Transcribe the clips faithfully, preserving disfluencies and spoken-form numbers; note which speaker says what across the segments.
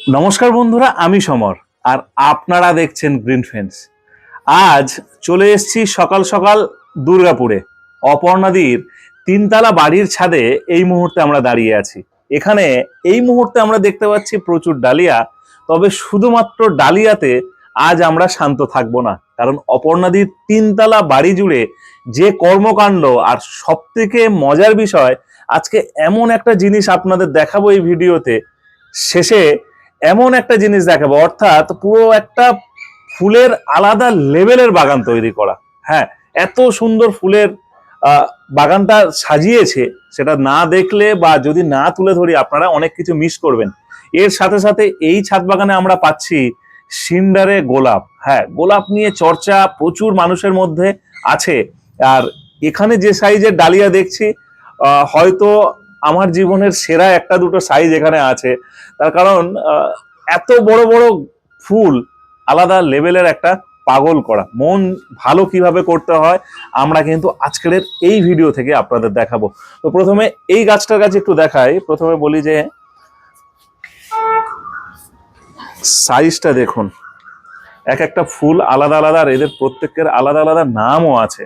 Speaker 1: নমস্কার বন্ধুরা, আমি সমর আর আপনারা দেখছেন গ্রিন ফেন্স। আজ চলে এসেছি সকাল সকাল দুর্গাপুরে। অপর্ণাদির তিনতলা বাড়ির ছাদে এই মুহূর্তে আমরা দাঁড়িয়ে আছি। এখানে এই মুহূর্তে আমরা দেখতে পাচ্ছি প্রচুর ডালিয়া, তবে শুধুমাত্র ডালিয়াতে আজ আমরা শান্ত থাকবো না, কারণ অপর্ণাদির তিনতলা বাড়ি জুড়ে যে কর্মকাণ্ড, আর সব থেকে মজার বিষয় আজকে এমন একটা জিনিস আপনাদের দেখাবো এই ভিডিওতে। শেষে এমন একটা জিনিস দেখাবো, অর্থাৎ পুরো একটা ফুলের আলাদা লেভেলের বাগান তৈরি করা। হ্যাঁ, এত সুন্দর ফুলের আহ বাগানটা সাজিয়েছে, সেটা না দেখলে বা যদি না তুলে ধরি আপনারা অনেক কিছু মিস করবেন। এর সাথে সাথে এই ছাদ বাগানে আমরা পাচ্ছি সিন্ডারে গোলাপ। হ্যাঁ, গোলাপ নিয়ে চর্চা প্রচুর মানুষের মধ্যে আছে। আর এখানে যে সাইজের ডালিয়া দেখছি, আহ হয়তো আমার জীবনের সেরা একটা দুটো সাইজ এখানে আছে। তার কারণ এত বড় বড় ফুল আলাদা লেভেলের একটা পাগল করা। মন ভালো কিভাবে করতে হয় আমরা কিন্তু আজকের এই ভিডিও থেকে আপনাদের দেখাবো। তো প্রথমে এই গাছটার কাছে একটু দেখাই। প্রথমে বলি যে সাইজটা দেখুন, এক একটা ফুল আলাদা আলাদা, আর এদের প্রত্যেকের আলাদা আলাদা নামও আছে।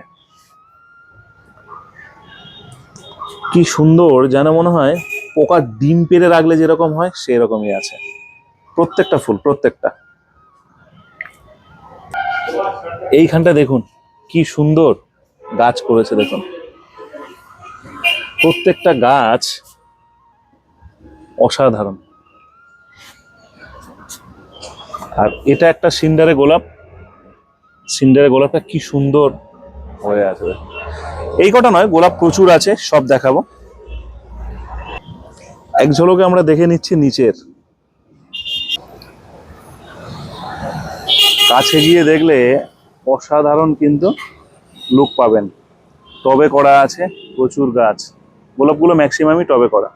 Speaker 1: কি সুন্দর, যেন মনে হয় পোকা ডিম পেড়ে রাখলে যেরকম হয় সেই রকমই আছে প্রত্যেকটা ফুল, প্রত্যেকটা। এইখানটা দেখুন কি সুন্দর গাছ করেছে, দেখুন প্রত্যেকটা গাছ অসাধারণ। আর এটা একটা সিন্ডারে গোলাপ। সিন্ডারে গোলাপটা কি সুন্দর হয়ে আছে। এই কটা নয়, গোলাপ প্রচুর আছে, সব দেখাবো। এক ঝলকে আমরা দেখে নিচ্ছি নিচের। কাছে গিয়ে দেখলে অসাধারণ কিন্তু লুক পাবেন। টবে করা আছে প্রচুর গাছ, গোলাপগুলো ম্যাক্সিমামই টবে করা।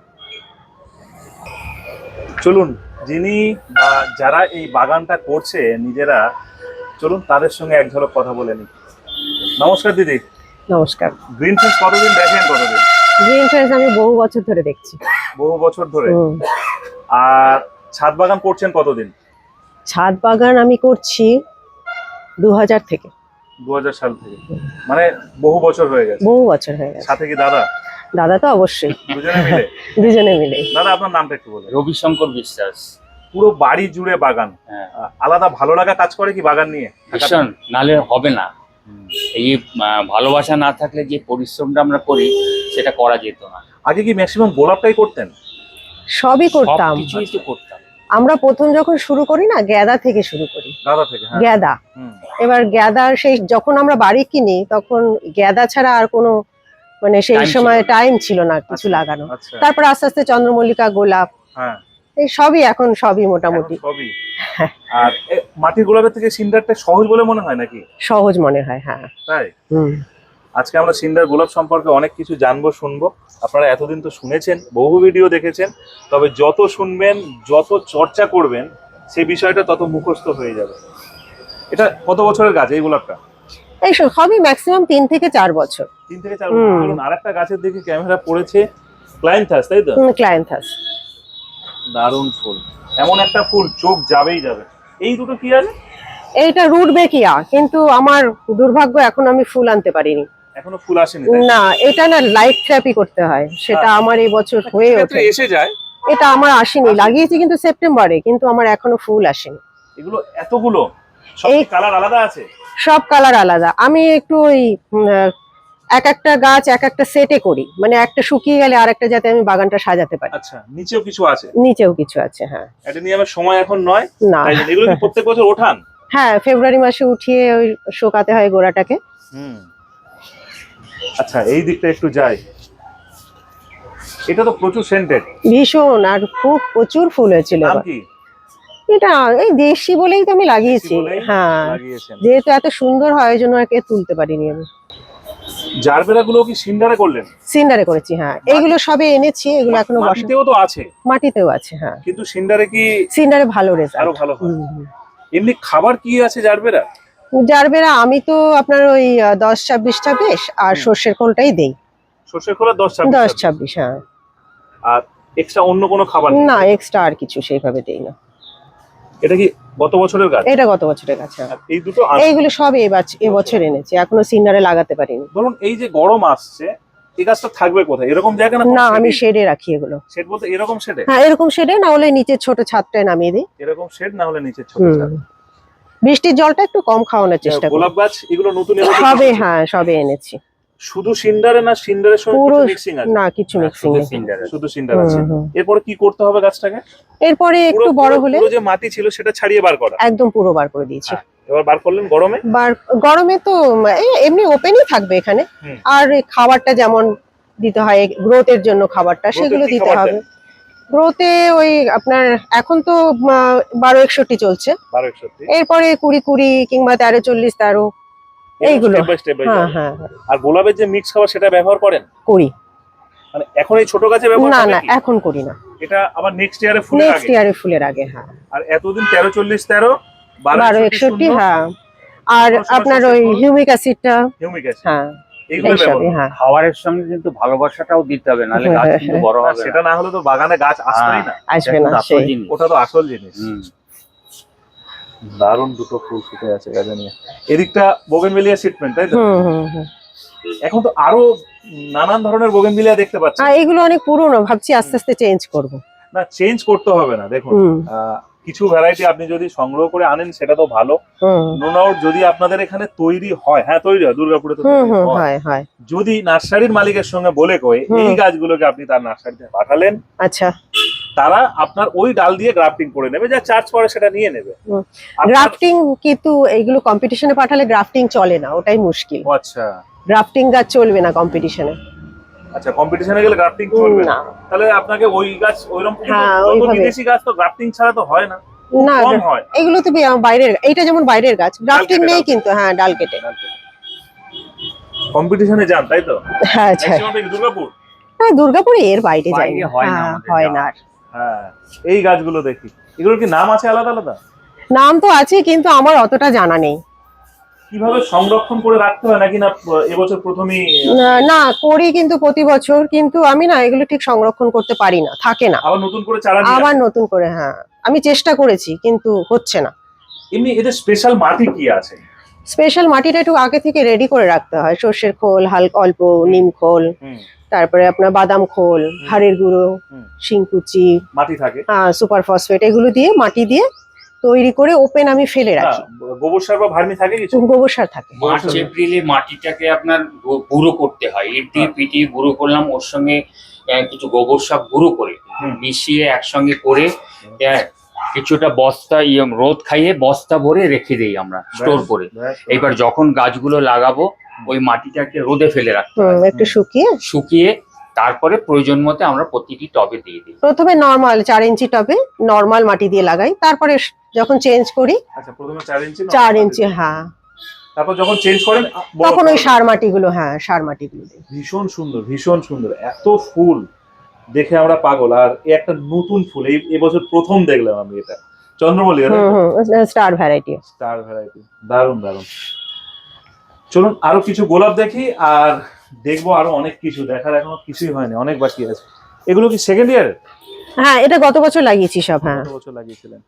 Speaker 1: চলুন, যিনি বা যারা এই বাগানটা করছে নিজেরা, চলুন তাদের সঙ্গে এক ঝলক কথা বলে নিই। নমস্কার দিদি।
Speaker 2: নমস্কার।
Speaker 1: গ্রিন ফেন্স কতদিন দেখেন? কতদিন?
Speaker 2: গ্রিন ফেন্স আমি বহু বছর ধরে দেখছি।
Speaker 1: বহু বছর ধরে। আর ছাদ বাগান করছেন কতদিন?
Speaker 2: ছাদ বাগান আমি করছি দু হাজার থেকে।
Speaker 1: দু হাজার সাল থেকে, মানে বহু বছর হয়ে গেছে।
Speaker 2: বহু বছর হয়ে গেছে।
Speaker 1: সাথে কি দাদা?
Speaker 2: দাদা তো অবশ্যই।
Speaker 1: দুজনে মিলে?
Speaker 2: দুজনে মিলে।
Speaker 1: দাদা আপনার নামটা একটু বলুন।
Speaker 3: রবিশঙ্কর বিশ্বাস।
Speaker 1: পুরো বাড়ি জুড়ে বাগান।
Speaker 3: হ্যাঁ।
Speaker 1: আলাদা ভালো লাগা কাজ করে কি বাগান নিয়ে?
Speaker 3: ভীষণ, নালে হবে না। এই ভালোবাসা না থাকলে যে পরিশ্রমটা আমরা করি সেটা করা যেত না।
Speaker 1: আগে কি ম্যাক্সিমাম গোলাপটাই করতেন?
Speaker 2: সবই করতাম।
Speaker 3: কিছুই তো করতাম।
Speaker 2: আমরা প্রথম যখন শুরু করি না, গ্যাদা থেকে শুরু করি।
Speaker 1: দাদা থেকে? হ্যাঁ।
Speaker 2: গ্যাদা। এবার গ্যাদার সেই যখন আমরা বাড়ি কিনি তখন গ্যাদা ছাড়া আর কোনো মানে সেই সময় টাইম ছিল না কিছু লাগানো। তারপর আস্তে আস্তে চন্দ্রমল্লিকা, গোলাপ, হ্যাঁ এই সবই এখন সবই মোটামুটি
Speaker 1: সবই। আর মাটির গোলাপের থেকে সিন্ডারটা সহজ বলে মনে হয় নাকি?
Speaker 2: সহজ মনে হয়, হ্যাঁ
Speaker 1: তাই।
Speaker 2: হুম।
Speaker 1: আজকে আমরা সিন্ডার গোলাপ সম্পর্কে অনেক কিছু জানবো, শুনবো। আপনারা এতদিন তো শুনেছেন, বহু ভিডিও দেখেছেন, তবে যত শুনবেন যত চর্চা করবেন সেই বিষয়টা তত মুখস্থ হয়ে যাবে। এটা কত বছরের গাছ এই গোলাপটা?
Speaker 2: এই সবই ম্যাক্সিমাম তিন থেকে চার বছর।
Speaker 1: তিন থেকে চার বছর। চলুন আরেকটা গাছের দিকে ক্যামেরা পড়েছে, ক্লাইন্থাস, তাই তো?
Speaker 2: হুম, ক্লাইন্থাস।
Speaker 1: দারুণ ফুল, এমন একটা ফুল চোখ যাবেই যাবে। এই দুটো কি আছে?
Speaker 2: এইটা রুটবেকিয়া, কিন্তু আমার দুর্ভাগ্য এখন আমি ফুল আনতে পারিনি।
Speaker 1: এখনো ফুল আসেনি?
Speaker 2: না, এটা না লাইট থেরাপি করতে হয়, সেটা আমার এই বছর হয়ে ওঠে।
Speaker 1: এসে যায়।
Speaker 2: এটা আমার আসেনি, লাগিয়েছি কিন্তু সেপ্টেম্বরে, কিন্তু আমার এখনো ফুল আসেনি।
Speaker 1: এগুলো এতগুলো সব কালার আলাদা আছে? সব
Speaker 2: কালার আলাদা। আমি একটু ওই এক একটা গাছ এক একটা সেটে করি, মানে একটা শুকিয়ে গেলে আর একটা যাতে আমি বাগানটা সাজাতে পারি।
Speaker 1: আচ্ছা, নিচেও কিছু আছে?
Speaker 2: নিচেও কিছু আছে, হ্যাঁ।
Speaker 1: এটা নিয়ে আমার সময় এখন নয়।
Speaker 2: না,
Speaker 1: এগুলো কি প্রত্যেক বছর ওঠান?
Speaker 2: হ্যাঁ, ফেব্রুয়ারি মাসে উঠিয়ে ওই শুকাতে হয় গোড়াটাকে।
Speaker 1: হুম। আচ্ছা, এই দিকটা একটু যাই। এটা তো প্রচুর সেন্টেড।
Speaker 2: ভীষণ, আর খুব প্রচুর ফুল হয়েছিল।
Speaker 1: নাম কি?
Speaker 2: এটা এই দেশি বলেই তো আমি লাগিয়েছি। হ্যাঁ, যেহেতু এত সুন্দর হয় ওই জন্য একে তুলতে পারিনি আমি।
Speaker 1: জারবেরা গুলো কি সিন্ডারে করলেন?
Speaker 2: সিন্ডারে করেছি, হ্যাঁ। এগুলো সবে এনেছি, এগুলো এখনো
Speaker 1: মাটিতেও তো আছে?
Speaker 2: মাটিতেও আছে, হ্যাঁ।
Speaker 1: কিন্তু সিন্ডারে কি?
Speaker 2: সিন্ডারে ভালো রেজাল্ট,
Speaker 1: আরো ভালো হয়। এমনি খাবার কি আছে জারবেরা?
Speaker 2: জারবেরা আমি তো আপনার ওই দশ ছাব্বিশ ছাব্বিশ আর সর্ষের খোলটাই দেই।
Speaker 1: সর্ষের খোল দশ ছাব্বিশ?
Speaker 2: দশ ছাব্বিশ, হ্যাঁ।
Speaker 1: আর এক্সট্রা অন্য কোনো খাবার
Speaker 2: না, এক্সট্রা আর কিছু সেইভাবে দেই না।
Speaker 1: এটা কি গত বছরের গাছ?
Speaker 2: এটা গত বছরের গাছ। হ্যাঁ।
Speaker 1: আর এই দুটো আম-
Speaker 2: এইগুলো সব এই বাচ- এবছর এনেছি, এখনো সিনারে লাগাতে পারিনি।
Speaker 1: ধরুন এই যে গরম আসছে, এই গাছটা থাকবে কোথায়? এরকম জায়গা না?
Speaker 2: না, আমি শেডে রাখি এগুলো।
Speaker 1: শেড বলতে এরকম শেডে?
Speaker 2: হ্যাঁ, এরকম শেডে, না হলে নিচে ছোট ছাদটায় নামিয়ে দিই।
Speaker 1: এরকম শেড না হলে নিচে ছোট
Speaker 2: হুম।
Speaker 1: ছাদ।
Speaker 2: বৃষ্টির জলটা একটু কম খাওয়ানোর চেষ্টা করি।
Speaker 1: গোলাপ গাছ এগুলো নতুন এবছর
Speaker 2: সবে,
Speaker 1: এসেছে?
Speaker 2: হ্যাঁ সবে এনেছি।
Speaker 1: শুধু সিন্ডারে না সিন্ডারের সঙ্গে
Speaker 2: পুরো
Speaker 1: কিছু মিক্সিং আছে?
Speaker 2: না, কিছু মিক্সিং
Speaker 3: শুধু
Speaker 2: নেই।
Speaker 3: সিন্ডার আছে।
Speaker 1: শুধু সিন্ডার আছে। এরপরে কি করতে হবে গাছটাকে?
Speaker 2: এরপরে একটু
Speaker 1: পুরো-
Speaker 2: বড়
Speaker 1: পুরো-
Speaker 2: হলে
Speaker 1: পুরো যে মাটি ছিল সেটা ছাড়িয়ে বার করা?
Speaker 2: একদম পুরো বার করে দিয়েছি।
Speaker 1: হ্যাঁ, এবার বার করলেন গরমে?
Speaker 2: বার গরমে তো এই এমনি ওপেনই থাকবে এখানে।
Speaker 1: হুম।
Speaker 2: আর এই খাবারটা যেমন দিতে হয় গ্রোথের জন্য, খাবারটা
Speaker 1: Growth-এর
Speaker 2: সেগুলো
Speaker 1: কি
Speaker 2: দিতে
Speaker 1: খাবার
Speaker 2: হবে।
Speaker 1: দেন?
Speaker 2: গ্রোথে ওই আপনার এখন তো আহ, বারো একষট্টি চলছে,
Speaker 1: বারো একষট্টি?
Speaker 2: এরপরে কুড়ি কুড়ি কিংবা তেরো চল্লিশ তেরো এইগুলো।
Speaker 1: স্টেপ বাই স্টেপ বাই
Speaker 2: হ্যাঁ হ্যাঁ হ্যাঁ,
Speaker 1: আর গোলাপের যে মিক্স খাবার সেটা ব্যবহার করেন?
Speaker 2: করি।
Speaker 1: মানে এখন এই ছোট গাছে ব্যবহার
Speaker 2: না
Speaker 1: করেন
Speaker 2: না,
Speaker 1: কি?
Speaker 2: এখন করি না,
Speaker 1: এটা আবার নেক্সট ইয়ারে ফুলের
Speaker 2: নেক্সট
Speaker 1: আগে?
Speaker 2: ইয়ারে ফুলের আগে। হ্যাঁ,
Speaker 1: আর এতদিন তেরো চল্লিশ তেরো
Speaker 2: বারো একষট্টি। হ্যাঁ, আর
Speaker 1: ষোলো,
Speaker 2: আপনার
Speaker 1: ষোলো,
Speaker 2: ওই
Speaker 1: ষোলো।
Speaker 2: হিউমিক অ্যাসিডটা।
Speaker 1: হিউমিক অ্যাসিড
Speaker 2: হ্যাঁ,
Speaker 1: এইগুলো
Speaker 2: এইসবই।
Speaker 1: ব্যবহার?
Speaker 2: হ্যাঁ,
Speaker 3: খাবারের সঙ্গে কিন্তু ভালোবাসাটাও দিতে হবে, নাহলে গাছ কিন্তু বড়
Speaker 1: না,
Speaker 3: হবে
Speaker 1: সেটা না হলে তো বাগানে গাছ আসবেই না।
Speaker 2: আসবে না,
Speaker 3: না
Speaker 2: সেই
Speaker 1: ওটা তো আসল জিনিস।
Speaker 3: হুম।
Speaker 1: দারুণ দুটো ফুল ফুটে আছে গাছে নিয়ে। এদিকটা বোগেনভেলিয়া ট্রিটমেন্ট, তাই তো?
Speaker 2: হুম হুম হুম।
Speaker 1: এখন তো আরো নানান ধরনের বোগেনভেলিয়া দেখতে পাচ্ছি।
Speaker 2: আর এগুলো অনেক পুরনো, ভাবছি আস্তে আস্তে চেঞ্জ করব।
Speaker 1: না, চেঞ্জ করতে হবে না। দেখুন
Speaker 2: হুম
Speaker 1: আহ, কিছু ভ্যারাইটি আপনি যদি সংগ্রহ করে আনেন সেটা তো ভালো।
Speaker 2: হুম
Speaker 1: নো ডাউট যদি আপনাদের এখানে তৈরি হয়, হ্যাঁ তৈরি হয়, দুর্গাপুরে তো
Speaker 2: হুম
Speaker 1: তৈরি
Speaker 2: হুম,
Speaker 1: হয়।
Speaker 2: হয় হয়।
Speaker 1: যদি নার্সারির মালিকের সঙ্গে বলে কয়ে
Speaker 2: হুম।
Speaker 1: এই গাছগুলোকে আপনি তার নার্সারিতে পাঠালেন,
Speaker 2: আচ্ছা,
Speaker 1: তারা আপনার ওই ডাল দিয়ে গ্রাফটিং করে নেবে, যা চার্জ করে সেটা নিয়ে নেবে।
Speaker 2: হুম।
Speaker 1: আপনার-
Speaker 2: গ্রাফটিং কিন্তু এইগুলো কম্পিটিশনে পাঠালে গ্রাফটিং চলে না, ওটাই মুশকিল।
Speaker 1: ও আচ্ছা
Speaker 2: গ্রাফটিং গাছ চলবে না কম্পিটিশনে।
Speaker 1: আচ্ছা, কম্পিটিশনে গেলে গ্রাফটিং চলবে না?
Speaker 2: না
Speaker 1: তাহলে আপনাকে ওই গাছ ওইরকম
Speaker 2: হ্যাঁ,
Speaker 1: যত
Speaker 2: ওইভাবে।
Speaker 1: বিদেশি গাছ তো গ্রাফটিং ছাড়া তো হয় না,
Speaker 2: না,
Speaker 1: কম হয়।
Speaker 2: এগুলো তো বি- বাইরের, এইটা যেমন বাইরের গাছ, গ্রাফটিং
Speaker 1: কেটে,
Speaker 2: নেই
Speaker 1: ডাল
Speaker 2: কিন্তু। হ্যাঁ, ডাল কেটে।
Speaker 1: কম্পিটিশনে যান তাই তো?
Speaker 2: হ্যাঁ, আচ্ছা।
Speaker 1: ম্যাক্সিমাম কি দুর্গাপুর?
Speaker 2: হ্যাঁ, দুর্গাপুরে এর বাইরে যাই
Speaker 3: বাইরে
Speaker 2: না।
Speaker 3: হয় না
Speaker 2: হ্যাঁ,
Speaker 3: আমাদের
Speaker 2: হয়
Speaker 3: যাওয়া।
Speaker 2: না আর।
Speaker 1: হ্যাঁ, এই গাছগুলো দেখি, এগুলোর কি নাম আছে আলাদা আলাদা?
Speaker 2: নাম তো আছে কিন্তু আমার অতটা জানা নেই।
Speaker 1: কিভাবে সংরক্ষণ করে রাখতে হয় নাকি না এবছর প্রথমেই?
Speaker 2: না- না করি কিন্তু প্রতি বছর, কিন্তু আমি না এগুলো ঠিক সংরক্ষণ করতে পারি না, থাকে না।
Speaker 1: আবার নতুন করে চারা নিয়ে
Speaker 2: আবার
Speaker 1: আসেন?
Speaker 2: নতুন করে, হ্যাঁ আমি চেষ্টা করেছি কিন্তু হচ্ছে না।
Speaker 1: এমনি এদের স্পেশাল মাটি কি আছে?
Speaker 2: স্পেশাল মাটিটা একটু আগে থেকে রেডি করে রাখতে হয়। সর্ষের খোল, হালকা অল্প নিম খোল,
Speaker 1: হুম,
Speaker 2: তারপরে আপনার বাদাম খোল, হাড়ের গুঁড়ো,
Speaker 1: হুম।
Speaker 2: শিংকুচি,
Speaker 1: মাটি থাকে?
Speaker 2: সুপার ফসফেট, এগুলো দিয়ে মাটি দিয়ে তৈরি করে ওপেন আমি ফেলে
Speaker 1: না,
Speaker 2: রাখি।
Speaker 1: গোবর সার বা ভার্মি থাকে কিছু?
Speaker 2: গোবর সার থাকে।
Speaker 3: মার্চ এপ্রিলে মাটিটাকে আপনার গু- গুঁড়ো করতে হয়, ইট দিয়ে পিটিয়ে গুঁড়ো করলাম, ওর সঙ্গে আহ, কিছু গোবর সার গুঁড়ো করে
Speaker 1: হুম।
Speaker 3: মিশিয়ে একসঙ্গে করে আহ, কিছুটা বস্তা ইয়ে রোদ খাইয়ে বস্তা ভরে রেখে দেই আমরা স্টোর করে।
Speaker 1: ব্যাস,
Speaker 3: এবার যখন গাছগুলো লাগাবো ওই মাটিটাকে রোদে ফেলে রাখতে
Speaker 2: হুম,
Speaker 3: হয়,
Speaker 2: একটু শুকিয়ে
Speaker 3: শুকিয়ে তারপরে প্রয়োজন মতো আমরা প্রতিটি টবে দিয়ে দিই।
Speaker 2: প্রথমে নর্মাল চার ইঞ্চি টবে নর্মাল মাটি দিয়ে লাগাই, তারপরে যখন চেঞ্জ করি
Speaker 1: আচ্ছা, প্রথমে চার ইঞ্চি না?
Speaker 2: চার ইঞ্চি, হ্যাঁ
Speaker 1: তারপর যখন চেঞ্জ করেন বড়
Speaker 2: তখন ওই
Speaker 1: করে।
Speaker 2: সার মাটিগুলো, হ্যাঁ সার মাটিগুলো দিই।
Speaker 1: ভীষণ সুন্দর, ভীষণ সুন্দর, এত ফুল দেখে আমরা পাগল। আর এই একটা নতুন ফুল এই এবছর প্রথম দেখলাম আমি, এটা চন্দ্রমল্লিকা
Speaker 2: হুম হুম, স্টার ভ্যারাইটি।
Speaker 1: স্টার ভ্যারাইটি, দারুণ দারুণ। চলুন আরো কিছু গোলাপ দেখি, আর দেখবো আরো অনেক কিছু দেখার, এখনো কিছুই হয়নি, অনেক বাকি আছে। এগুলো কি সেকেন্ড ইয়ার?
Speaker 2: হ্যাঁ, এটা গত বছর লাগিয়েছি সব। হ্যাঁ,
Speaker 1: কত বছর লাগিয়েছিলেন?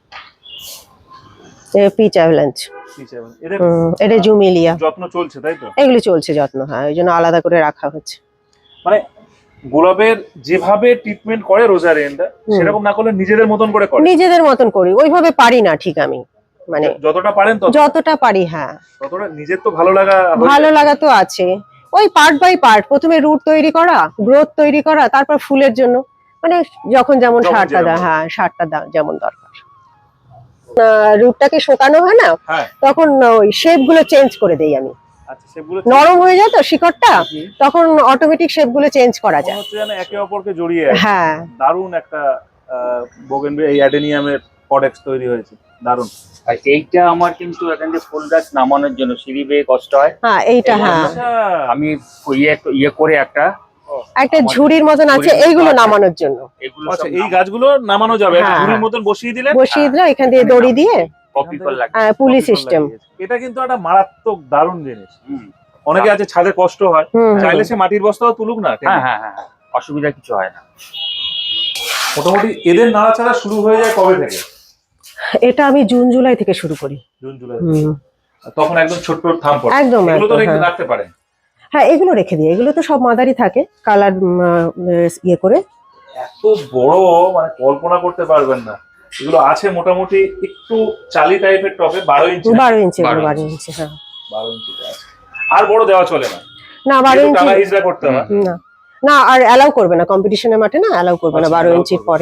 Speaker 2: পিচ অ্যাভেলাঞ্চ,
Speaker 1: কি চাইবেন? এদের
Speaker 2: এটা জুমিলিয়া,
Speaker 1: যত্ন চলছে তাই তো?
Speaker 2: এগুলো চলছে যত্ন। হ্যাঁ, ওই জন্য আলাদা করে রাখা হচ্ছে।
Speaker 1: মানে গোলাপের যেভাবে ট্রিটমেন্ট করে রোজারিয়ানটা,
Speaker 2: হুম।
Speaker 1: সেরকম না করলে নিজেদের মতন করে করে?
Speaker 2: নিজেদের মতন করি, ওইভাবে পারি না ঠিক আমি, মানে
Speaker 1: যতটা পারেন তত?
Speaker 2: যতটা পারি। হ্যাঁ,
Speaker 1: ততটা নিজের তো ভালো লাগা হয়ে
Speaker 2: ভালো
Speaker 1: যায়।
Speaker 2: লাগা তো আছে। ওই পার্ট বাই পার্ট, প্রথমে রুট তৈরি করা, গ্রোথ তৈরি করা, তারপর ফুলের জন্য মানে যখন যেমন
Speaker 1: যখন
Speaker 2: সারটা
Speaker 1: যেরকম।
Speaker 2: দেয়, হ্যাঁ সারটা দা- যেমন দরকার। রুটটাকে শোকানো হয় না,
Speaker 1: হ্যাঁ,
Speaker 2: তখন ওই শেপ গুলো চেঞ্জ করে দেই আমি।
Speaker 1: আচ্ছা, সেগুলো
Speaker 2: নরম হয়ে যায় তো শিকড়টা, তখন অটোমেটিক শেপ গুলো চেঞ্জ করা
Speaker 1: মনে
Speaker 2: যায়।
Speaker 1: হচ্ছে যেন একে অপরকে জড়িয়ে আছে।
Speaker 2: হ্যাঁ,
Speaker 1: দারুণ একটা বোগেনভিলিয়া, এই অ্যাডেনিয়ামের কডেক্স তৈরি হয়েছে, দারুণ।
Speaker 3: আর এইটা আমার কিন্তু এখান থেকে ফুল গাছ নামানোর জন্য সিঁড়ি বেয়ে কষ্ট হয়,
Speaker 2: হ্যাঁ এইটা, হ্যাঁ
Speaker 1: আচ্ছা,
Speaker 3: আমি ইয়ে ইয়ে করে একটা
Speaker 2: একটা ঝুড়ির মতন আছে,
Speaker 3: ঝুড়ির
Speaker 2: এইগুলো
Speaker 3: মতো আছে।
Speaker 2: নামানোর জন্য
Speaker 3: এগুলো
Speaker 1: আচ্ছা,
Speaker 3: সব
Speaker 1: এই গাছগুলো নামানো যাবে,
Speaker 2: হ্যাঁ,
Speaker 1: ঝুড়ির মতন বসিয়ে দিলে
Speaker 2: বসিয়ে দিলে এখান দিয়ে দড়ি দিয়ে
Speaker 3: কপি কল লাগে।
Speaker 2: আহ, পুলি সিস্টেম।
Speaker 1: এটা কিন্তু একটা মারাত্মক দারুণ জিনিস।
Speaker 3: হুম।
Speaker 1: অনেকে আছে ছাদে কষ্ট হয়,
Speaker 2: হুম হুম।
Speaker 1: চাইলে সে মাটির বস্তাও তুলুক না,
Speaker 3: হ্যাঁ হ্যাঁ হ্যাঁ হ্যাঁ, অসুবিধা কিছু হয় না।
Speaker 1: মোটামুটি এদের নাড়াচাড়া শুরু হয়ে যায় কবে থেকে?
Speaker 2: এটা আমি জুন জুলাই থেকে শুরু করি।
Speaker 1: জুন জুলাই
Speaker 2: হুম।
Speaker 1: তখন একদম ছোট ছোট থাম পড়ে,
Speaker 2: একদম
Speaker 1: এগুলো তো
Speaker 2: একদম,
Speaker 1: রেখে
Speaker 2: হ্যাঁ।
Speaker 1: রাখতে পারেন।
Speaker 2: হ্যাঁ এগুলো রেখে দিই, এগুলো তো সব মাদারই থাকে কালার ইয়ে করে।
Speaker 1: এত বড় মানে কল্পনা করতে পারবেন না। এগুলো আছে মোটামুটি একটু চালি টাইপের টপে, বারো ইঞ্চি
Speaker 2: বারো ইঞ্চি, এগুলো
Speaker 3: বারো
Speaker 2: বারো
Speaker 3: ইঞ্চি।
Speaker 2: ইঞ্চি, হ্যাঁ।
Speaker 1: বারো ইঞ্চিতে আছে। আর বড় দেওয়া চলে না,
Speaker 2: না বারো
Speaker 1: একটু
Speaker 2: ইঞ্চি
Speaker 1: টানা হিজড়া করতে হয়।
Speaker 2: না, না আর অ্যালাউ করবে না কম্পিটিশনের মাঠে, না অ্যালাউ করবে না
Speaker 1: আচ্ছা,
Speaker 2: বারো
Speaker 1: allow
Speaker 2: ইঞ্চির
Speaker 1: করবে না।
Speaker 2: পরে।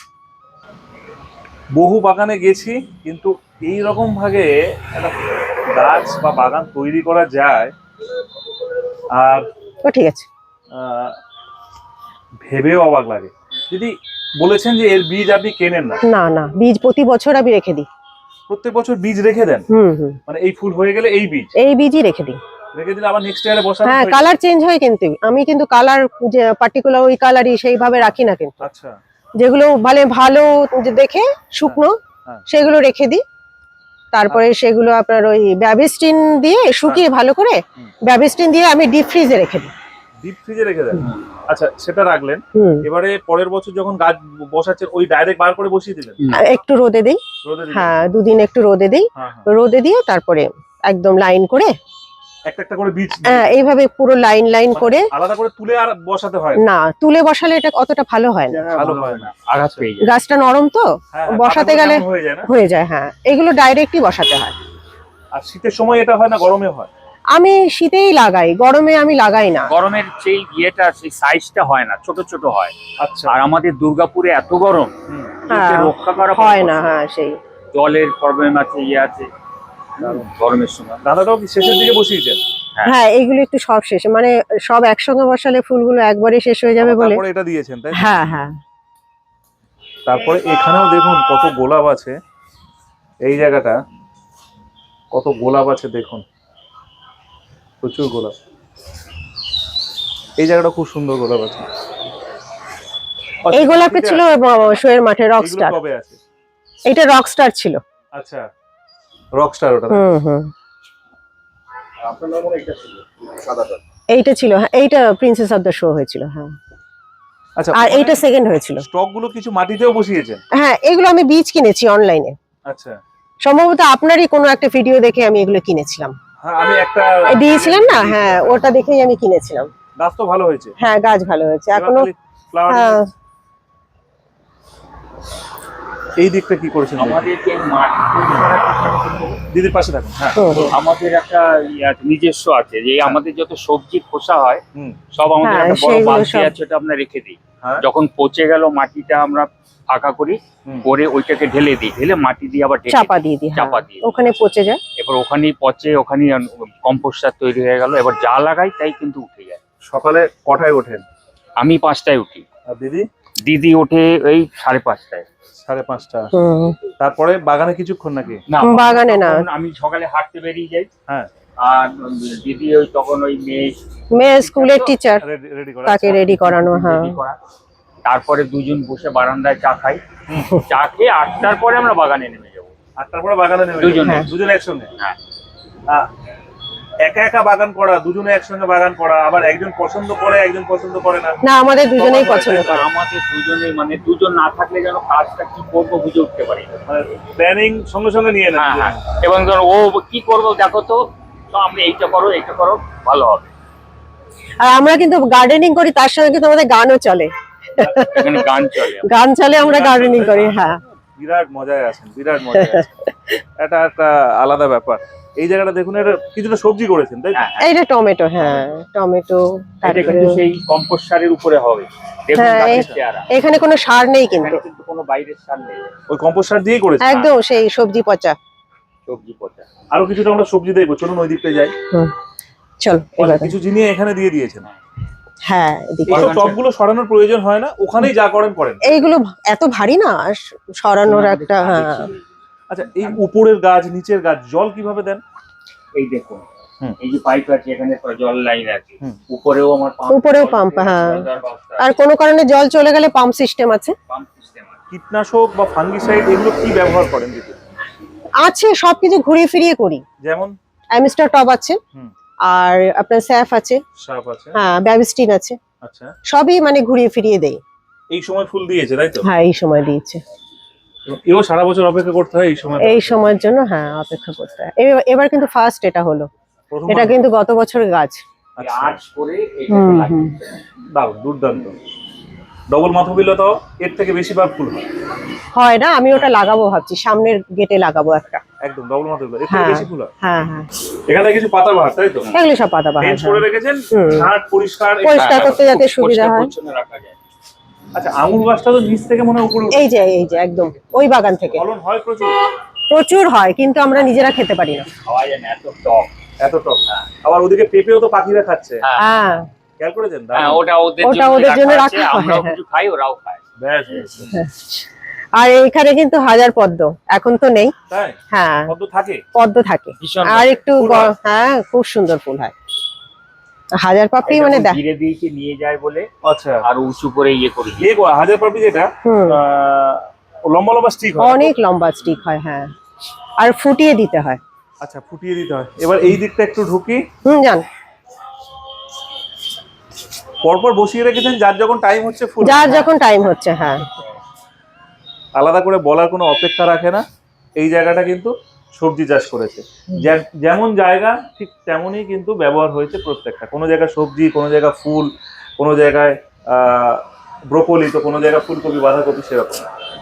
Speaker 1: বহু বাগানে গেছি, কিন্তু এই রকম ভাবে একটা গাছ বা বাগান তৈরি করা যায় আর
Speaker 2: ও ঠিক আছে।
Speaker 1: আহ, ভেবেও অবাক লাগে। দিদি বলেছেন যে এর বীজ আপনি কেনেন না,
Speaker 2: না না, বীজ প্রতি বছর আমি রেখে দিই।
Speaker 1: প্রত্যেক বছর বীজ রেখে দেন?
Speaker 2: হুম হুম,
Speaker 1: মানে এই ফুল হয়ে গেলে এই বীজ
Speaker 2: এই বীজই রেখে দিই।
Speaker 1: রেখে দিলে আবার নেক্সট ইয়ারে বসানো
Speaker 2: হ্যাঁ
Speaker 1: হয়ে যায়?
Speaker 2: কালার চেঞ্জ হয়, কিন্তু আমি কিন্তু কালার যে পার্টিকুলার ওই কালারই সেইভাবে রাখি না, কিন্তু
Speaker 1: আচ্ছা,
Speaker 2: যেগুলো মানে ভালো যে দেখে শুকনো
Speaker 1: হ্যাঁ।
Speaker 2: সেগুলো রেখে দিই। তারপরে সেগুলো আপনার ওই ব্যাবিস্টিন দিয়ে শুকিয়ে ভালো করে,
Speaker 1: হুম।
Speaker 2: ব্যাবিস্টিন দিয়ে আমি ডিপ ফ্রিজে রেখে দিই।
Speaker 1: ডিপ ফ্রিজে রেখে দেন? আচ্ছা, সেটা রাখলেন।
Speaker 2: হুম।
Speaker 1: এবারে পরের বছর যখন গাছ বসাচ্ছেন ওই ডাইরেক্ট বার করে বসিয়ে দিলেন?
Speaker 2: আর একটু রোদে দিই,
Speaker 1: রোদে দিলেন?
Speaker 2: হ্যাঁ দুদিন একটু রোদে দিই,
Speaker 1: হ্যাঁ, হ্যাঁ।
Speaker 2: রোদে দিয়ে তারপরে একদম লাইন করে,
Speaker 1: একটা একটা করে বীজ
Speaker 2: হ্যাঁ এইভাবে পুরো লাইন লাইন করে।
Speaker 1: আলাদা করে তুলে আর বসাতে হয় না?
Speaker 2: না তুলে বসালে এটা অতটা ভালো হয় না,
Speaker 1: ভালো হয় না,
Speaker 3: আঘাত পেয়ে যায়।
Speaker 2: গাছটা নরম তো,
Speaker 1: হ্যাঁ, হ্যাঁ,
Speaker 2: বসাতে
Speaker 1: পাতাগুলো
Speaker 2: গেলে
Speaker 1: কেমন হয়ে যায় না?
Speaker 2: হয়ে যায়। হ্যাঁ এগুলো ডাইরেক্টই বসাতে হয়।
Speaker 1: আর শীতের সময় এটা হয় না, গরমে হয়?
Speaker 2: আমি শীতেই লাগাই, গরমে আমি লাগাই না।
Speaker 3: গরমের সেই ইয়েটা সেই সাইজটা হয় না, ছোট ছোট হয়।
Speaker 1: আচ্ছা।
Speaker 3: আর আমাদের দুর্গাপুরে এত গরম,
Speaker 1: হুম।
Speaker 2: হ্যাঁ,
Speaker 3: একে রক্ষা করা
Speaker 2: হয়
Speaker 3: খুব
Speaker 2: না,
Speaker 3: কষ্ট।
Speaker 2: হ্যাঁ সেই
Speaker 3: জলের প্রবলেম আছে, ইয়ে আছে গরমের সময়।
Speaker 1: দাদাটাও কি শেষের দিকে বসিয়েছেন?
Speaker 3: হ্যাঁ।
Speaker 2: হ্যাঁ এইগুলো একটু সব শেষে, মানে সব একসঙ্গে বসালে ফুলগুলো একবারে শেষ হয়ে যাবে বলে।
Speaker 1: তারপরে এটা দিয়েছেন তাই তো?
Speaker 2: হ্যাঁ হ্যাঁ,
Speaker 1: তারপরে এখানেও দেখুন কত গোলাপ আছে, এই জায়গাটা কত গোলাপ আছে দেখুন, প্রচুর গোলাপ। এই জায়গাটা খুব সুন্দর গোলাপ আছে।
Speaker 2: এই গোলাপটা ছিল শোয়ের মাঠে
Speaker 1: এগুলো
Speaker 2: রকস্টার,
Speaker 1: কবে আছে?
Speaker 2: এটা রকস্টার ছিল।
Speaker 1: আচ্ছা, রকস্টার ওটা।
Speaker 2: হুম হুম,
Speaker 1: আপনার নাম মনে এটা ছিল সাদাটা?
Speaker 2: এইটা ছিল, হ্যাঁ এইটা প্রিন্সেস অফ দ্য শো হয়েছিল, হ্যাঁ।
Speaker 1: আচ্ছা,
Speaker 2: আর এইটা সেকেন্ড হয়েছিল।
Speaker 1: স্টক গুলো কিছু মাটিতেও বসিয়েছেন?
Speaker 2: হ্যাঁ এগুলো আমি বীজ কিনেছি অনলাইনে,
Speaker 1: আচ্ছা।
Speaker 2: সম্ভবত আপনারই কোনো একটা ভিডিও দেখে আমি এগুলো কিনেছিলাম।
Speaker 1: হ্যাঁ, আমি একটা
Speaker 2: দিয়েছিলেন না, হ্যাঁ ওটা দেখেই আমি কিনেছিলাম।
Speaker 1: গাছ তো ভালো হয়েছে।
Speaker 2: হ্যাঁ গাছ ভালো হয়েছে এখনো।
Speaker 1: ফ্লাওয়ার
Speaker 2: হ্যাঁ
Speaker 1: এই দিকটা কি করেছেন?
Speaker 3: আমাদের যে মাটি তৈরি করার পিছনে
Speaker 1: দিদির পাশে থাকুন। হ্যাঁ,
Speaker 2: হুম,
Speaker 3: আমাদের একটা ইয়ে আছে, নিজস্ব আছে, যে আমাদের যত সবজি খোসা হয়
Speaker 1: হুম,
Speaker 3: সব আমাদের
Speaker 2: হ্যাঁ,
Speaker 3: একটা বড়
Speaker 2: সেইগুলো
Speaker 3: বালতি
Speaker 2: সব-
Speaker 3: আছে, ওটা আমরা রেখে দিই।
Speaker 1: হ্যাঁ।
Speaker 3: যখন পচে গেল মাটিটা আমরা ফাঁকা করি,
Speaker 1: হুম।
Speaker 3: করে ওইটাকে ঢেলে দিই, ঢেলে মাটি দিয়ে আবার ঢেকে
Speaker 2: চাপা
Speaker 3: দিই।
Speaker 2: দিয়ে দিই, হ্যাঁ,
Speaker 3: চাপা দিয়ে দিই।
Speaker 2: ওখানে পচে যায়।
Speaker 3: এবার ওখানেই পচে, ওখানেই কম্পোস্ট সার তৈরি হয়ে গেল। এবার যা লাগাই তাই কিন্তু উঠে যায়।
Speaker 1: সকালে কটায় ওঠেন?
Speaker 3: আমি পাঁচটায় উঠি,
Speaker 1: আর দিদি?
Speaker 3: দিদি ওঠে এই সাড়ে পাঁচটায়।
Speaker 1: সাড়ে পাঁচটা।
Speaker 2: হুম,
Speaker 1: তারপরে বাগানে কিছুক্ষণ নাকি?
Speaker 3: না,
Speaker 2: বাগানে না।
Speaker 3: তখন আমি সকালে হাঁটতে বেরিয়ে যাই।
Speaker 1: হ্যাঁ।
Speaker 3: আর দিদি ওই তখন ওই মেয়ে
Speaker 2: মেয়ে স্কুলের টিচার,
Speaker 1: রেডি করা
Speaker 2: তাকে রেডি করানো, হ্যাঁ।
Speaker 3: ready করা। তারপরে দুজন বসে বারান্দায় চা খাই, চা খেয়ে আটটার পরে আমরা বাগানে নেমে যাবো।
Speaker 1: আটটার পরে বাগানে নেমে
Speaker 3: দুজনে।
Speaker 1: যাবেন? দুজনে একসঙ্গে?
Speaker 3: হ্যাঁ।
Speaker 1: আহ, একা একা বাগান করা, দুজনে একসঙ্গে বাগান করা, আবার একজন পছন্দ করে একজন পছন্দ করে না?
Speaker 2: না আমাদের দুজনেই পছন্দ করে।
Speaker 3: আমাদের দুজনে, মানে দুজন না থাকলে যেন কাজটা কি করবো বুঝে উঠতে পারি না।
Speaker 1: মানে প্ল্যানিং সঙ্গে সঙ্গে নিয়ে নেন?
Speaker 3: হ্যাঁ হ্যাঁ, এবং ধরো ও কি করবো দেখো তো, তো আমরা এইটা করো এইটা করো ভালো হবে।
Speaker 2: আর আমরা কিন্তু গার্ডেনিং করি, তার সঙ্গে কিন্তু আমাদের গানও চলে,
Speaker 3: এখানে গান চলে।
Speaker 2: গান চলে, আমরা গার্ডেনিং করি। হ্যাঁ
Speaker 1: বিরাট মজায় আছেন, বিরাট মজায় আছেন। এটা একটা আলাদা ব্যাপার। এই জায়গাটা দেখুন, এটা কিছুটা সবজি করেছেন তাই তো?
Speaker 3: হ্যাঁ,
Speaker 2: এইটা টমেটো, হ্যাঁ টমেটো।
Speaker 3: এটা
Speaker 2: তারপরে
Speaker 3: কিন্তু সেই কম্পোস্ট সারের উপরে হবে। দেখুন
Speaker 2: হ্যাঁ,
Speaker 3: গাছের
Speaker 2: এই-
Speaker 3: চেহারা।
Speaker 2: এখানে কোনো সার নেই কিন্তু,
Speaker 3: এখানে কিন্তু কোনো বাইরের সার নেই,
Speaker 1: ওই কম্পোস্ট সার দিয়েই করেছেন?
Speaker 2: একদম সেই সবজি পচা।
Speaker 3: সবজি পচা।
Speaker 1: আরো কিছুটা আমরা সবজি দেখবো, চলুন ওই দিকটা যাই।
Speaker 2: চল এবার,
Speaker 1: কিছু জিনিস এখানে দিয়ে দিয়েছেন।
Speaker 2: হ্যাঁ এদিকে।
Speaker 1: এইসব টবগুলো সরানোর প্রয়োজন হয় না, ওখানেই যা করেন করেন?
Speaker 2: এইগুলো এত ভারী না, সরানোর একটা, হ্যাঁ।
Speaker 1: আচ্ছা, এই উপরের গাছ নিচের গাছ জল কিভাবে দেন?
Speaker 3: এই দেখুন,
Speaker 1: হুম।
Speaker 3: এই যে পাইপ আছে, এখানে জল লাইন আছে,
Speaker 1: হুম।
Speaker 3: উপরেও আমার পাম্প,
Speaker 2: উপরেও পাম্প, হ্যাঁ। আর কোনো কারণে জল চলে গেলে পাম্প সিস্টেম আছে।
Speaker 3: পাম্প সিস্টেম আছে।
Speaker 1: কীটনাশক বা ফাঙ্গিসাইড এগুলো কি ব্যবহার করেন দিদি?
Speaker 2: আছে, সবকিছু ঘুরিয়ে ফিরিয়ে করি।
Speaker 1: যেমন?
Speaker 2: অ্যামিস্টার টব আছে,
Speaker 1: হুম।
Speaker 2: আর আপনার স্যাফ আছে,
Speaker 1: সাপ আছে।
Speaker 2: হ্যাঁ ব্যাবিস্টিন আছে,
Speaker 1: আচ্ছা,
Speaker 2: সবই মানে ঘুরিয়ে ফিরিয়ে দেই।
Speaker 1: এই সময় ফুল দিয়েছে তাই তো?
Speaker 2: হ্যাঁ এই সময় দিয়েছে।
Speaker 1: এও সারা বছর অপেক্ষা করতে হয় এই সময়?
Speaker 2: এই সময়ের জন্য হ্যাঁ অপেক্ষা করতে হয়। এ- এবার কিন্তু ফার্স্ট এটা হলো,
Speaker 1: প্রথম
Speaker 2: এটা কিন্তু গত বছরের গাছ।
Speaker 1: আচ্ছা,
Speaker 3: আর্চ করে এটাকে
Speaker 2: হুম হুম
Speaker 3: লাগিয়ে
Speaker 1: দারুণ, দুর্দান্ত। ডবল মাথবিলতাও এর থেকে বেশিবার ফুল হয়।
Speaker 2: হয় না, আমি ওটা লাগাবো ভাবছি, সামনের গেটে লাগাবো একটা।
Speaker 1: একদম ডবল মাথবিলতা এর থেকে
Speaker 2: হ্যাঁ
Speaker 1: বেশি ফুল হয়।
Speaker 2: হ্যাঁ হ্যাঁ,
Speaker 1: এখানে কিছু পাতাবাহার, তাই তো?
Speaker 2: এগুলো সব পাতাবাহার।
Speaker 1: ফেন্স করে রেখেছেন,
Speaker 2: হুম।
Speaker 1: ঝাড় পরিষ্কার।
Speaker 2: পরিষ্কার করতে যাতে সুবিধা
Speaker 3: পরিষ্কার
Speaker 2: হয়।
Speaker 3: পরিচ্ছন্ন রাখা যায়।
Speaker 1: আচ্ছা, আঙুর গাছটা তো নিচ থেকে মনে হয় উপরে উঠে।
Speaker 2: এই যে এই যে একদম ওই বাগান থেকে
Speaker 1: ফলন হয় প্রচুর?
Speaker 2: প্রচুর হয়, কিন্তু আমরা নিজেরা খেতে পারি না।
Speaker 3: খাওয়া যায় না, এত টক।
Speaker 1: এত টক। আবার ওদিকে পেঁপেও তো পাখিরা খাচ্ছে,
Speaker 3: হ্যাঁ
Speaker 2: হ্যাঁ
Speaker 1: খেয়াল করেছেন?
Speaker 3: হ্যাঁ,
Speaker 1: দারুণ।
Speaker 3: ওটা ওদের
Speaker 2: ওটা ওদের জন্য
Speaker 3: জন্য
Speaker 2: রাখা
Speaker 3: রাখা
Speaker 2: হয়,
Speaker 3: আছে, আমরাও
Speaker 2: হ্যাঁ।
Speaker 3: কিছু খাই, ওরাও খায়।
Speaker 1: ব্যাস ব্যাস, ব্যাস।
Speaker 2: আর এইখানে কিন্তু হাজার পদ্ম, এখন তো নেই।
Speaker 1: তাই
Speaker 2: হ্যাঁ
Speaker 1: পদ্ম থাকে?
Speaker 2: পদ্ম থাকে,
Speaker 3: ভীষণ
Speaker 2: আর
Speaker 3: ভালো।
Speaker 2: একটু
Speaker 1: ফুল
Speaker 2: গ-
Speaker 1: হয়?
Speaker 2: হ্যাঁ খুব সুন্দর ফুল হয়। হাজার পাপড়ি
Speaker 3: এটা
Speaker 2: মানে
Speaker 3: ওই
Speaker 2: দেখ।
Speaker 3: ধীরে ধীরে নিয়ে যায় বলে
Speaker 1: আচ্ছা,
Speaker 3: আর উঁচু করে ইয়ে করে দিয়ে।
Speaker 1: ইয়ে করা হাজার পাপড়ি যেটা
Speaker 2: হুম
Speaker 1: আহ, ও লম্বা লম্বা স্টিক হয়।
Speaker 2: অনেক লম্বা স্টিক হয়, হ্যাঁ, আর ফুটিয়ে দিতে হয়।
Speaker 1: আচ্ছা, ফুটিয়ে দিতে হয়। এবার এই দিকটা একটু ঢুকি।
Speaker 2: হুম জান,
Speaker 1: পরপর বসিয়ে রেখেছেন, যার যখন টাইম হচ্ছে ফুল।
Speaker 2: যার যখন টাইম হচ্ছে, হ্যাঁ।
Speaker 1: আলাদা করে বলার কোনো অপেক্ষা রাখে না। এই জায়গাটা কিন্তু সবজি চাষ করেছে, যে- যেমন জায়গা ঠিক তেমনই কিন্তু ব্যবহার হয়েছে প্রত্যেকটা। কোনো জায়গায় সবজি, কোনো জায়গায় ফুল, কোনো জায়গায় আহ ব্রোকলি, তো কোনো জায়গায় ফুলকপি, বাঁধাকপি, সেরকম।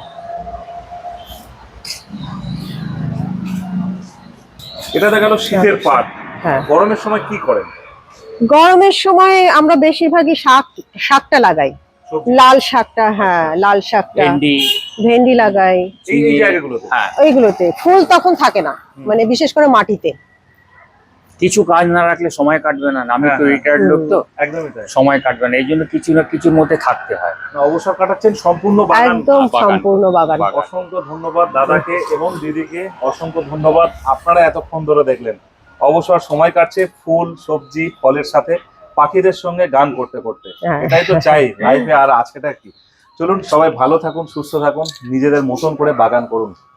Speaker 1: এটা দেখা গেল শীতের পাট।
Speaker 2: হ্যাঁ
Speaker 1: গরমের সময় কি করেন?
Speaker 2: গরমের সময় আমরা বেশিরভাগই শাক শাকটা লাগাই,
Speaker 1: সবজি?
Speaker 2: লাল শাকটা, হ্যাঁ লাল শাকটা,
Speaker 3: ভেন্ডি,
Speaker 2: ভেন্ডি লাগাই
Speaker 1: এই এই জায়গাগুলোতে?
Speaker 3: হ্যাঁ,
Speaker 2: এইগুলোতে। ফুল তখন থাকে না, মানে বিশেষ করে মাটিতে।
Speaker 3: কিছু কাজ না রাখলে সময় কাটবে না। আমি
Speaker 1: হ্যাঁ,
Speaker 3: তো
Speaker 1: হ্যাঁ।
Speaker 3: রিটায়ার্ড লোক, তো
Speaker 1: একদমই তাই।
Speaker 3: সময় কাটবে না, এই জন্য কিছু না কিছুর মধ্যে থাকতে হয়।
Speaker 1: না, অবসর কাটাচ্ছেন সম্পূর্ণ বাগান।
Speaker 2: একদম
Speaker 3: বাগান।
Speaker 2: সম্পূর্ণ বাগান।
Speaker 3: বাগান।
Speaker 1: অসংখ্য ধন্যবাদ দাদাকে এবং দিদিকে, অসংখ্য ধন্যবাদ। আপনারা এতক্ষণ ধরে দেখলেন অবসর সময় কাটছে ফুল, সবজি, ফলের সাথে, পাখিদের সঙ্গে গান করতে করতে।
Speaker 2: হ্যাঁ।
Speaker 1: এটাই তো চাই লাইফে, আর আজকেটা কি। চলুন সবাই ভালো থাকুন, সুস্থ থাকুন, নিজেদের মতন করে বাগান করুন।